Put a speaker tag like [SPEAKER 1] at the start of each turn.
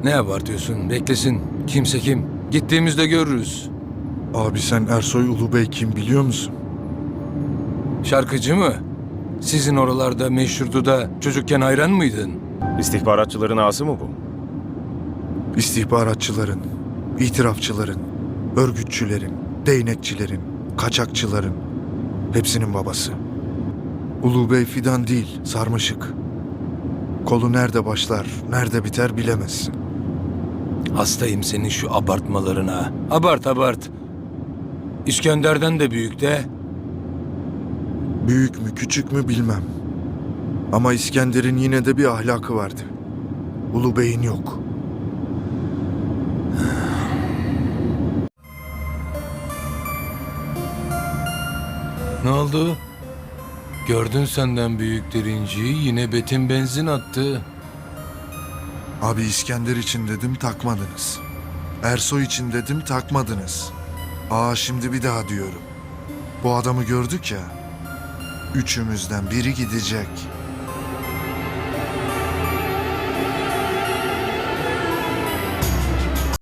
[SPEAKER 1] Ne abartıyorsun? Beklesin. Kimse kim? Gittiğimizde görürüz.
[SPEAKER 2] Abi sen Ersoy Ulubey kim biliyor musun?
[SPEAKER 1] Şarkıcı mı? Sizin oralarda meşhurdu da çocukken hayran mıydın?
[SPEAKER 3] İstihbaratçıların ağası mı bu?
[SPEAKER 2] İstihbaratçıların, itirafçıların, örgütçülerin, değnekçilerin, kaçakçıların hepsinin babası. Ulubey fidan değil, sarmaşık. Kolu nerede başlar, nerede biter bilemezsin.
[SPEAKER 1] Hastayım senin şu abartmalarına. Abart abart. İskender'den de büyük de.
[SPEAKER 2] Büyük mü küçük mü bilmem. Ama İskender'in yine de bir ahlakı vardı. Ulubey'in yok.
[SPEAKER 1] Ne oldu? Gördün senden büyük derinciyi, yine Betim benzin attı.
[SPEAKER 2] Abi İskender için dedim takmadınız. Ersoy için dedim takmadınız. Şimdi bir daha diyorum. Bu adamı gördük ya. Üçümüzden biri gidecek.